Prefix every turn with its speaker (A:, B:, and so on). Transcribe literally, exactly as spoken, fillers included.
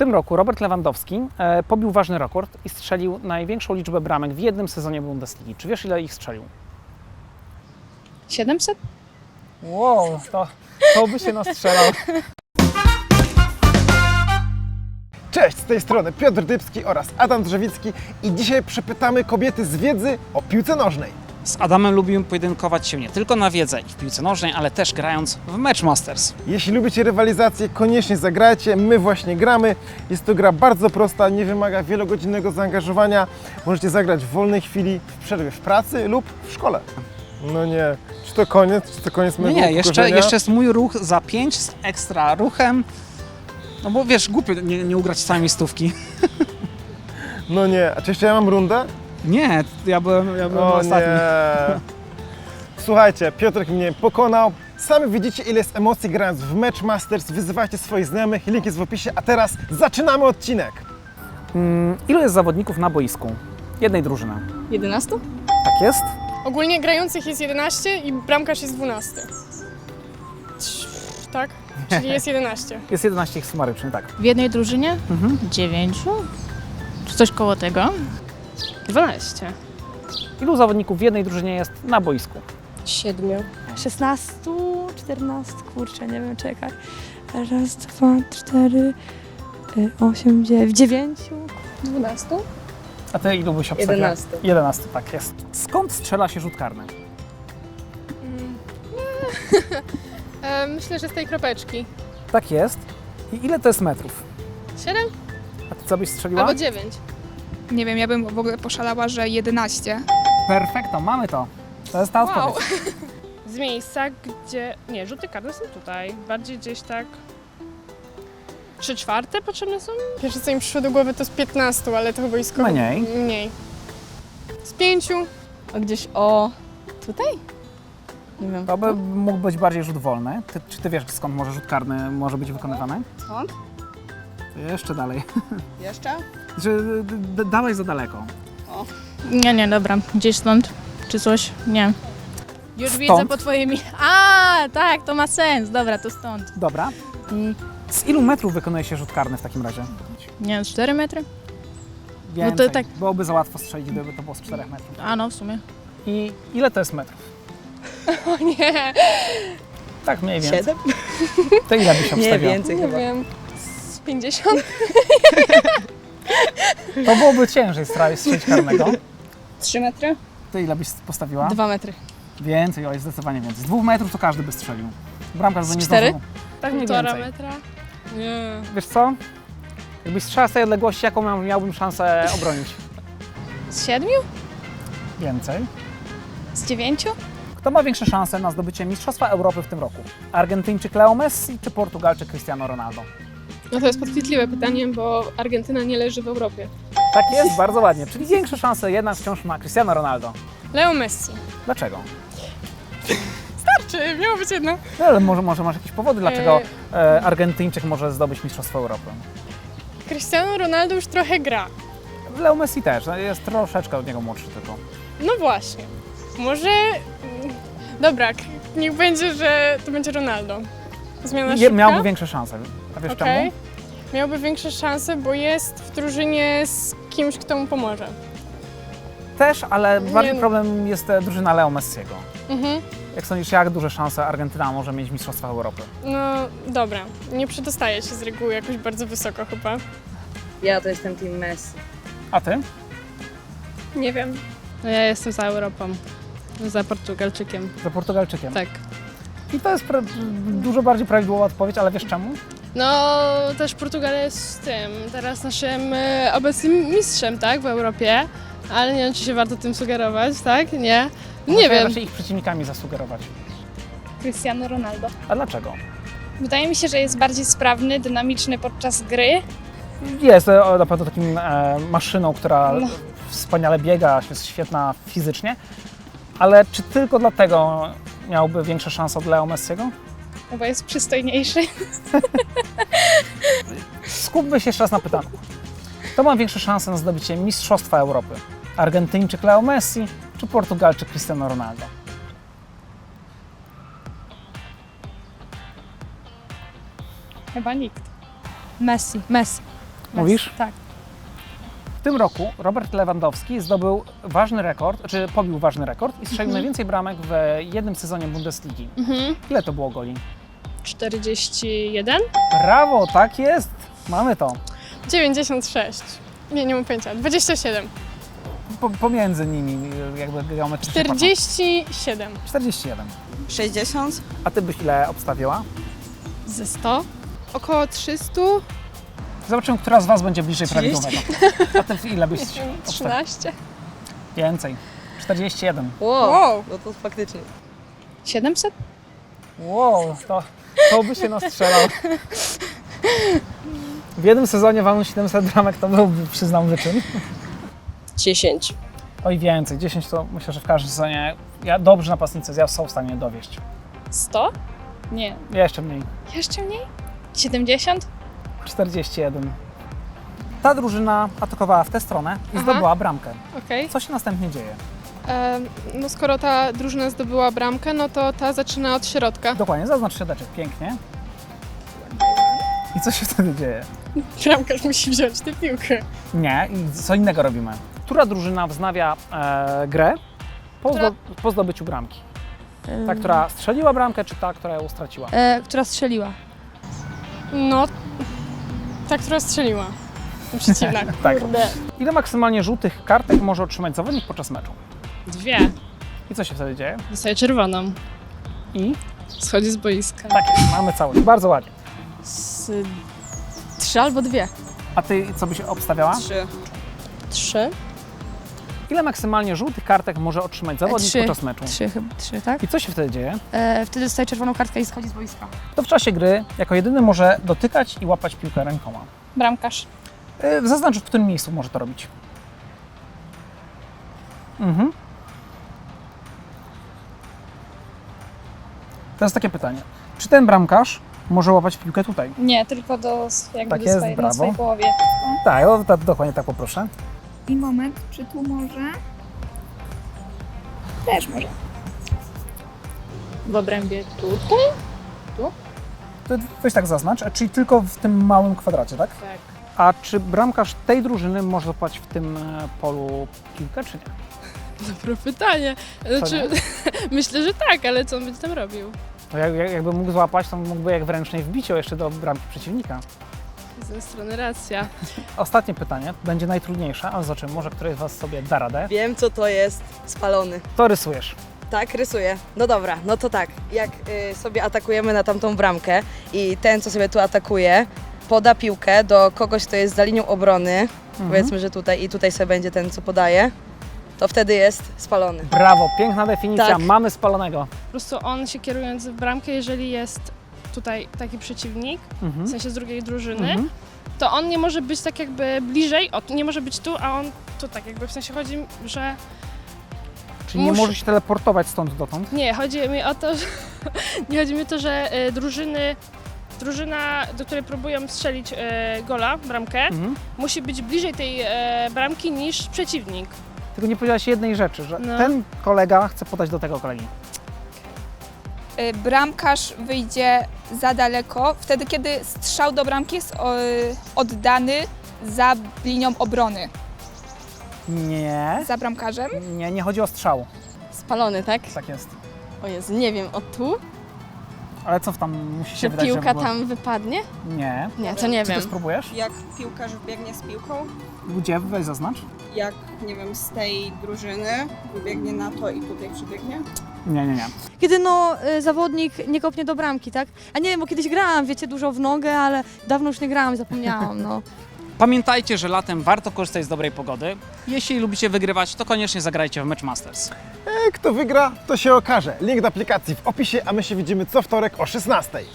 A: tym roku Robert Lewandowski e, pobił ważny rekord i strzelił największą liczbę bramek w jednym sezonie Bundesligi. Czy wiesz, ile ich strzelił?
B: siedemset?
A: Wow, to, to by się nastrzelał.
C: Cześć, z tej strony Piotr Dybski oraz Adam Drzewicki i dzisiaj przepytamy kobiety z wiedzy o piłce nożnej.
A: Z Adamem lubimy pojedynkować się nie tylko na wiedzę i w piłce nożnej, ale też grając w Match Masters.
C: Jeśli lubicie rywalizację, koniecznie zagrajcie, my właśnie gramy. Jest to gra bardzo prosta, nie wymaga wielogodzinnego zaangażowania. Możecie zagrać w wolnej chwili, w przerwie w pracy lub w szkole. No nie, czy to koniec, czy to koniec
A: Nie,
C: mojego
A: nie, jeszcze,
C: upokorzenia?
A: jeszcze jest mój ruch za pięć z ekstra ruchem. No bo wiesz, głupio nie, nie ugrać całej stówki.
C: No nie, a czy jeszcze ja mam rundę?
A: Nie, ja byłem, ja byłem
C: O
A: ostatni.
C: nie. Słuchajcie, Piotrek mnie pokonał. Sami widzicie, ile jest emocji grając w Match Masters. Wyzywajcie swoich znajomych, link jest w opisie. A teraz zaczynamy odcinek.
A: Mm, ilu jest zawodników na boisku? Jednej drużyny.
B: jedenaście?
A: Tak jest?
D: Ogólnie grających jest jedenaście i bramkarz jest dwunasty. Tak? Czyli jest jedenaście.
A: Jest jedenaście ich sumarycznie, tak.
B: W jednej drużynie?
A: Mhm.
B: dziewięciu? Czy coś koło tego?
D: dwanaście.
A: Ilu zawodników w jednej drużynie jest na boisku?
D: Siedmiu.
E: szesnaście, czternaście, kurczę, nie wiem, czekaj. Raz, dwa, cztery, y, osiem, dziewięć, dziewięciu.
D: dwunastu?
A: A ty ilu byś obstawiał?
D: jedenaście.
A: jedenaście, tak jest. Skąd strzela się rzut karny?
D: E, myślę, że z tej kropeczki.
A: Tak jest. I ile to jest metrów?
D: Siedem?
A: A ty co byś strzeliła?
D: Albo dziewięć.
F: Nie wiem, ja bym w ogóle poszalała, że jedenaście.
A: Perfekto, mamy to. To jest ta
D: Wow.
A: odpowiedź.
D: Z miejsca, gdzie... Nie, rzuty karne są tutaj. Bardziej gdzieś tak... Trzy czwarte potrzebne są? Pierwsze, co mi przyszło do głowy, to z piętnastu, ale to chyba jest koło...
A: Mniej.
D: Mniej. Z pięciu.
B: A gdzieś o... tutaj? Nie wiem.
A: To by mógł być bardziej rzut wolny. Ty, czy ty wiesz, skąd może rzut karny może być wykonywany?
F: Skąd?
A: To jeszcze dalej.
F: Jeszcze?
A: Że d- d- dałeś za daleko.
B: Nie, nie, dobra. Gdzieś stąd? Czy coś? Nie. Już
A: Stąd?
B: widzę po twoimi... A, tak, to ma sens. Dobra, to stąd.
A: Dobra. I z ilu metrów wykonuje się rzut karny w takim razie?
B: Nie wiem, cztery metry?
A: Więcej.
B: tak-
A: Byłoby za łatwo strzelić, gdyby to było z czterech metrów.
B: A no, w sumie.
A: I ile to jest metrów?
D: O nie,
A: Tak mniej więcej.
G: Siedem?
A: To ile byś
G: Nie
A: obstawiał?
G: więcej
D: nie
G: chyba.
D: wiem. Z pięćdziesiąt?
A: To byłoby ciężej stra- strzelić karnego.
F: Trzy metry?
A: Ty ile byś postawiła?
B: Dwa metry.
A: Więcej, oj, zdecydowanie więcej. Z dwóch metrów to każdy by strzelił. Bramkarz by nie
B: cztery?
A: zdążył. Tak mniej
D: Półtora
A: więcej.
D: metra? Nie.
A: Wiesz co? Jakbyś strzelał z tej odległości, jaką miał, miałbym szansę obronić?
B: Z siedmiu?
A: Więcej.
F: Z dziewięciu?
A: Kto ma większe szanse na zdobycie Mistrzostwa Europy w tym roku? Argentyńczyk Leo Messi czy Portugalczyk Cristiano Ronaldo?
D: No to jest podchwytliwe pytanie, bo Argentyna nie leży w Europie.
A: Tak jest, bardzo ładnie. Czyli większe szanse jednak wciąż ma Cristiano Ronaldo.
D: Leo Messi.
A: Dlaczego?
D: Czy miało być jedno?
A: No, ale może, może masz jakieś powody, dlaczego e, Argentyńczyk może zdobyć Mistrzostwo Europy?
D: Cristiano Ronaldo już trochę gra.
A: Leo Messi też, no, jest troszeczkę od niego młodszy tylko.
D: No właśnie. Może... mm, Dobra, k- niech będzie, że to będzie Ronaldo. Zmiana
A: Je,
D: szybka?
A: miałby większe szanse. A wiesz
D: Okej.
A: czemu?
D: Miałby większe szanse, bo jest w drużynie z kimś, kto mu pomoże.
A: Też, ale bardziej
D: no.
A: problem jest e, drużyna Leo Messiego.
D: Mhm.
A: Jak sądzisz, jak duże szanse Argentyna może mieć w Mistrzostwach Europy?
D: No dobra, nie przedostaje się z reguły jakoś bardzo wysoko chyba.
G: Ja to jestem team Messi.
A: A ty?
D: Nie wiem.
B: No ja jestem za Europą. Za Portugalczykiem.
A: Za Portugalczykiem.
B: Tak.
A: I to jest pra- dużo bardziej prawidłowa odpowiedź, ale wiesz czemu?
D: No też Portugalia jest tym, teraz naszym e, obecnym mistrzem, tak, w Europie. Ale nie wiem, czy się warto tym sugerować, tak? Nie? Nie
A: Może
D: wiem.
A: raczej ich przeciwnikami zasugerować.
F: Cristiano Ronaldo.
A: A dlaczego?
F: Wydaje mi się, że jest bardziej sprawny, dynamiczny podczas gry.
A: Jest e, na pewno takim e, maszyną, która
F: No.
A: wspaniale biega, jest świetna fizycznie, ale czy tylko dlatego miałby większe szanse od Leo Messiego?
F: No bo jest przystojniejszy.
A: Skupmy się jeszcze raz na pytaniu. Kto ma większe szanse na zdobycie Mistrzostwa Europy? Argentyńczyk Leo Messi czy Portugalczyk Cristiano Ronaldo?
F: Chyba nikt.
E: Messi, Messi.
A: Mówisz?
E: Tak.
A: W tym roku Robert Lewandowski zdobył ważny rekord, czy pobił ważny rekord i strzelił najwięcej bramek w jednym sezonie Bundesligi.
D: Mhm.
A: Ile to było goli?
D: czterdzieści jeden?
A: Brawo, tak jest! Mamy to.
D: dziewięćdziesiąt sześć. Nie, nie mam pojęcia. dwadzieścia siedem.
A: Po, pomiędzy nimi jakby geometrycznie.
D: czterdzieści siedem.
A: patrząc. czterdzieści jeden.
H: sześćdziesiąt.
A: A ty byś ile obstawiła?
D: Ze sto?
I: Około trzysta.
A: Zobaczymy, która z was będzie bliżej
H: trzydzieści.
A: prawidłowego. A ty ile byś obstawiła?
D: trzynaście.
A: Więcej. czterdzieści jeden.
H: Wow,
I: Wow.
H: no to faktycznie.
F: siedemset?
A: Wow, to, to by się nastrzelał. W jednym sezonie walnąć siedemset bramek to byłby, przyznam, wyczyn.
J: dziesięć.
A: Oj, więcej. dziesięć to myślę, że w każdym sezonie ja, dobrzy napastnicy ja są w stanie dowieść.
F: sto? Nie.
A: Jeszcze mniej.
F: Jeszcze mniej? siedemdziesiąt?
A: czterdzieści jeden. Ta drużyna atakowała w tę stronę i
I: Aha.
A: zdobyła bramkę.
I: Okej.
A: Co się następnie dzieje?
I: Em, No skoro ta drużyna zdobyła bramkę, no to ta zaczyna od środka.
A: Dokładnie, zaznacz środeczek. Pięknie. I co się wtedy dzieje?
D: Bramkarz musi wziąć tę piłkę.
A: Nie, i co innego robimy. Która drużyna wznawia e, grę po,
D: Która-
A: zdo, po zdobyciu bramki? Ta, która strzeliła bramkę, czy ta, która ją straciła?
E: E, która strzeliła.
D: No, ta, która strzeliła. Przeciwna.
A: Tak.
D: Kurde.
A: Ile maksymalnie żółtych kartek może otrzymać zawodnik podczas meczu?
D: Dwie.
A: I co się wtedy dzieje?
D: Dostaje czerwoną.
A: I
D: Schodzi z boiska.
A: tak jest, mamy całość. Bardzo ładnie.
E: Z, trzy albo dwie.
A: A ty co byś obstawiała?
H: Trzy.
J: trzy.
A: Ile maksymalnie żółtych kartek może otrzymać zawodnik
E: trzy.
A: podczas meczu?
E: Trzy chyba, trzy, tak?
A: I co się wtedy dzieje?
E: E, wtedy dostaje czerwoną kartkę i schodzi z boiska.
A: To w czasie gry jako jedyny może dotykać i łapać piłkę rękoma.
F: Bramkarz.
A: Yy, Zaznacz, w którym miejscu może to robić. Mhm. Teraz takie pytanie. Czy ten bramkarz może łapać piłkę tutaj?
F: Nie, tylko do, jakby
A: Tak
F: do
A: jest,
F: swojej, na
A: brawo.
F: swojej połowie.
A: Tak, o, tak, dokładnie tak poproszę.
K: I moment, czy tu może? Też może.
F: W obrębie tu.
A: To weź tak zaznacz, czyli tylko w tym małym kwadracie, tak?
D: Tak.
A: A czy bramkarz tej drużyny może łapać w tym e, polu piłkę, czy nie?
D: Dobre pytanie. Znaczy, myślę, że tak, ale co on będzie tam robił?
A: To jak, jak, jakby mógł złapać, to mógłby jak w ręcznej wbiciu jeszcze do bramki przeciwnika.
D: Z tej strony racja.
A: Ostatnie pytanie, będzie najtrudniejsze, ale zobaczymy, może któryś z was sobie da radę.
H: Wiem, co to jest spalony.
A: To rysujesz.
H: Tak, rysuję. No dobra, no to tak. Jak y, sobie atakujemy na tamtą bramkę i ten, co sobie tu atakuje, poda piłkę do kogoś, kto jest za linią obrony,
A: Mhm.
H: powiedzmy, że tutaj i tutaj sobie będzie ten, co podaje, to wtedy jest spalony.
A: Brawo, piękna definicja,
H: Tak.
A: mamy spalonego.
D: Po prostu on się kierując w bramkę, jeżeli jest tutaj taki przeciwnik,
A: Mhm.
D: w sensie z drugiej drużyny,
A: Mhm.
D: to on nie może być tak jakby bliżej, o, nie może być tu, a on tu tak jakby, w sensie chodzi, że
A: Czyli nie
D: Muszę-
A: może się teleportować stąd dotąd.
D: nie, chodzi mi o to, że nie chodzi mi o to, że e, drużyny, drużyna, do której próbują strzelić e, gola, bramkę,
A: Mhm.
D: musi być bliżej tej e, bramki niż przeciwnik.
A: Tylko nie powiedziałaś jednej rzeczy, że
D: No.
A: ten kolega chce podać do tego kolegi.
K: Y, Bramkarz wyjdzie za daleko, wtedy kiedy strzał do bramki jest o, oddany za linią obrony.
A: Nie,
K: Za bramkarzem.
A: nie, nie chodzi o strzał.
J: Spalony, tak?
A: Tak jest.
J: O Jezu, nie wiem, o tu?
A: Ale co w tam musi się
J: Czy
A: wydać,
J: piłka
A: że było-
J: tam wypadnie?
A: Nie.
J: Nie, to nie
A: Czy ty
J: wiem.
A: spróbujesz?
L: Jak piłkarz biegnie z piłką,
A: Gdzie? Weź zaznacz.
L: jak, nie wiem, z tej drużyny wybiegnie na to i tutaj przybiegnie.
A: Nie, nie, nie.
E: Kiedy no y, zawodnik nie kopnie do bramki, tak? A nie wiem, bo kiedyś grałam, wiecie, dużo w nogę, ale dawno już nie grałam, zapomniałam, no.
A: Pamiętajcie, że latem warto korzystać z dobrej pogody. Jeśli lubicie wygrywać, to koniecznie zagrajcie w Match Masters.
C: E, Kto wygra, to się okaże. Link do aplikacji w opisie, a my się widzimy co wtorek o szesnastej.